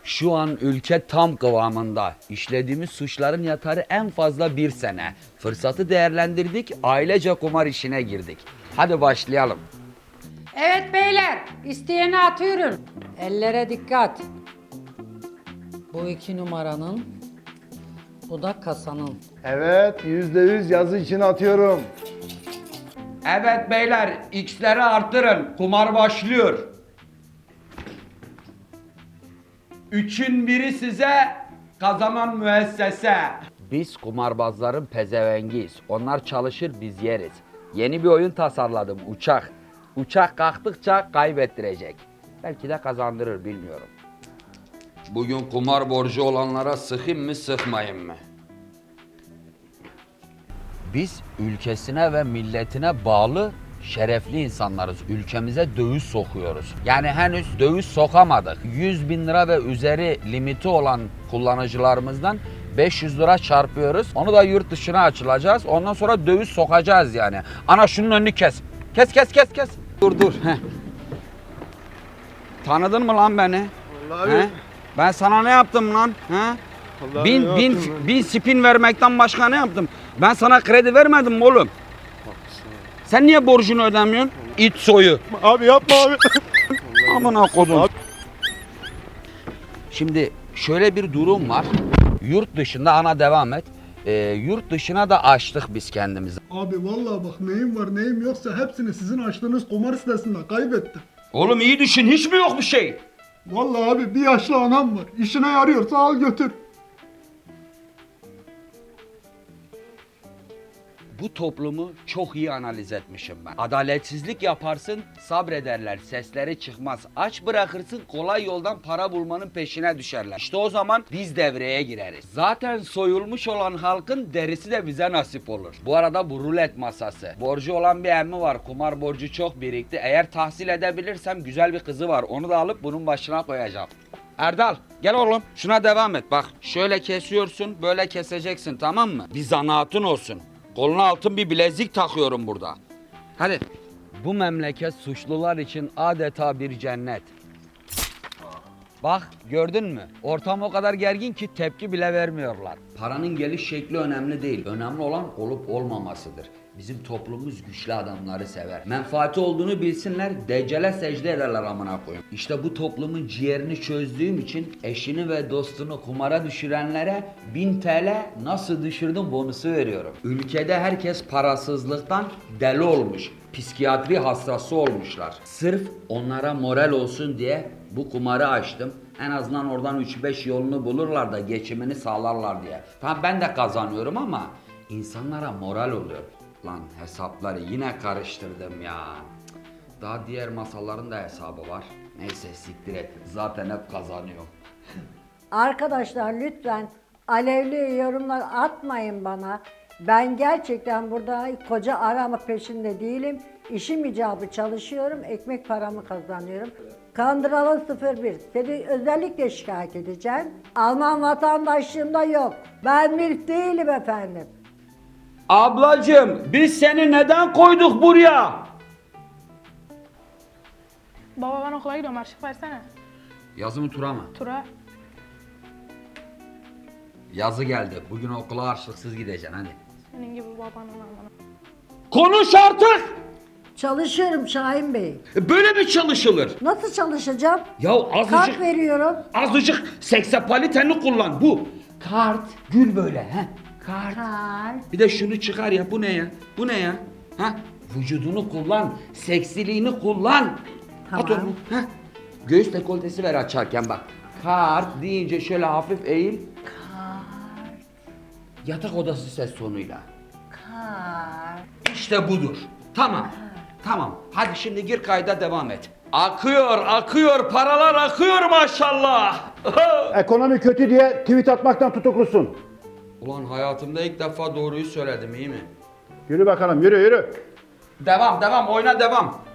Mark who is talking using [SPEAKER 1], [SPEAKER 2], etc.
[SPEAKER 1] Şu an ülke tam kıvamında. İşlediğimiz suçların yatarı en fazla 1 sene. Fırsatı değerlendirdik, ailece kumar işine girdik. Hadi başlayalım.
[SPEAKER 2] Evet beyler, isteyeni atıyorum. Ellere dikkat. Bu 2 numaranın, bu da kasanın.
[SPEAKER 3] Evet, %100 yazı için atıyorum.
[SPEAKER 1] Evet beyler, x'leri arttırın. Kumar başlıyor. 3'ün biri size, kazanan müessese. Biz kumarbazların pezevengiyiz. Onlar çalışır, biz yeriz. Yeni bir oyun tasarladım, uçak. Uçak kalktıkça kaybettirecek. Belki de kazandırır, bilmiyorum. Bugün kumar borcu olanlara sıkayım mı, sıkmayayım mı? Biz ülkesine ve milletine bağlı şerefli insanlarız. Ülkemize döviz sokuyoruz. Yani henüz döviz sokamadık. 100 bin lira ve üzeri limiti olan kullanıcılarımızdan 500 lira çarpıyoruz. Onu da yurt dışına açılacağız. Ondan sonra döviz sokacağız yani. Ana şunun önünü kes. Kes. Dur. Heh. Tanıdın mı lan beni?
[SPEAKER 3] Vallahi
[SPEAKER 1] He? Ben sana ne yaptım lan? He? Bin spin vermekten başka ne yaptım? Ben sana kredi vermedim mi oğlum? Sen niye borcunu ödemiyorsun? İt soyu.
[SPEAKER 3] Abi yapma abi.
[SPEAKER 1] Amına kodum. Şimdi şöyle bir durum var. Yurt dışında ana devam et. Yurt dışına da açtık biz kendimizi.
[SPEAKER 4] Abi vallahi bak neyim var neyim yoksa hepsini sizin açtığınız kumar sitesinde kaybettim.
[SPEAKER 1] Oğlum iyi düşün, hiç mi yok bir şey?
[SPEAKER 4] Vallahi abi bir yaşlı anam var. İşine yarıyorsa al götür.
[SPEAKER 1] Bu toplumu çok iyi analiz etmişim ben. Adaletsizlik yaparsın, sabrederler, sesleri çıkmaz. Aç bırakırsın, kolay yoldan para bulmanın peşine düşerler. İşte o zaman biz devreye gireriz. Zaten soyulmuş olan halkın derisi de bize nasip olur. Bu arada bu rulet masası. Borcu olan bir emmi var, kumar borcu çok birikti. Eğer tahsil edebilirsem güzel bir kızı var. Onu da alıp bunun başına koyacağım. Erdal gel oğlum şuna devam et. Bak şöyle kesiyorsun, böyle keseceksin, tamam mı? Bir zanaatın olsun. Koluna altın bir bilezik takıyorum burada. Hadi. Bu memleket suçlular için adeta bir cennet. Bak gördün mü? Ortam o kadar gergin ki tepki bile vermiyorlar. Paranın geliş şekli önemli değil. Önemli olan olup olmamasıdır. Bizim toplumumuz güçlü adamları sever. Menfaati olduğunu bilsinler, deccale secde ederler amına koyayım. İşte bu toplumun ciğerini çözdüğüm için eşini ve dostunu kumara düşürenlere 1000 TL nasıl düşürdüm bonusu veriyorum. Ülkede herkes parasızlıktan deli olmuş. Psikiyatri hastası olmuşlar. Sırf onlara moral olsun diye bu kumarı açtım. En azından oradan 3-5 yolunu bulurlar da geçimini sağlarlar diye. Tamam ben de kazanıyorum ama insanlara moral oluyor. Lan hesapları yine karıştırdım ya. Daha diğer masaların da hesabı var. Neyse siktir et. Zaten hep kazanıyorum.
[SPEAKER 5] Arkadaşlar lütfen alevli yorumlar atmayın bana. Ben gerçekten burada koca arama peşinde değilim. İşim icabı çalışıyorum, ekmek paramı kazanıyorum. Kandıralı 01, seni özellikle şikayet edeceğim. Alman vatandaşlığımda yok. Ben milf değilim efendim.
[SPEAKER 1] Ablacığım biz seni neden koyduk buraya?
[SPEAKER 6] Baba ben okula gidiyorum, harçlık versene.
[SPEAKER 1] Yazı mı tura mı?
[SPEAKER 6] Tura.
[SPEAKER 1] Yazı geldi. Bugün okula harçlıksız gideceksin hadi.
[SPEAKER 6] Senin gibi babanın amına.
[SPEAKER 1] Konuş artık!
[SPEAKER 5] Çalışıyorum Şahin Bey.
[SPEAKER 1] Böyle mi çalışılır?
[SPEAKER 5] Nasıl çalışacağım?
[SPEAKER 1] Ya
[SPEAKER 5] Kart veriyorum.
[SPEAKER 1] azıcık seksapaliteni kullan. Bu kart gül böyle he. Kart.
[SPEAKER 5] Kart.
[SPEAKER 1] Bir de şunu çıkar ya. Bu ne ya? Bu ne ya? Ha? Vücudunu kullan. Seksiliğini kullan. At
[SPEAKER 5] Tamam.
[SPEAKER 1] onu. Ha? Göğüs dekoltesi ver açarken bak. Kart deyince şöyle hafif eğil.
[SPEAKER 5] Kart.
[SPEAKER 1] Yatak odası ses tonuyla.
[SPEAKER 5] Kart.
[SPEAKER 1] İşte budur. Tamam. Tamam. Hadi şimdi gir kayda devam et. Akıyor paralar akıyor maşallah.
[SPEAKER 3] Ekonomi kötü diye tweet atmaktan tutuklusun.
[SPEAKER 1] Ulan hayatımda ilk defa doğruyu söyledim, iyi mi?
[SPEAKER 3] Yürü bakalım, yürü.
[SPEAKER 1] Devam oyna devam.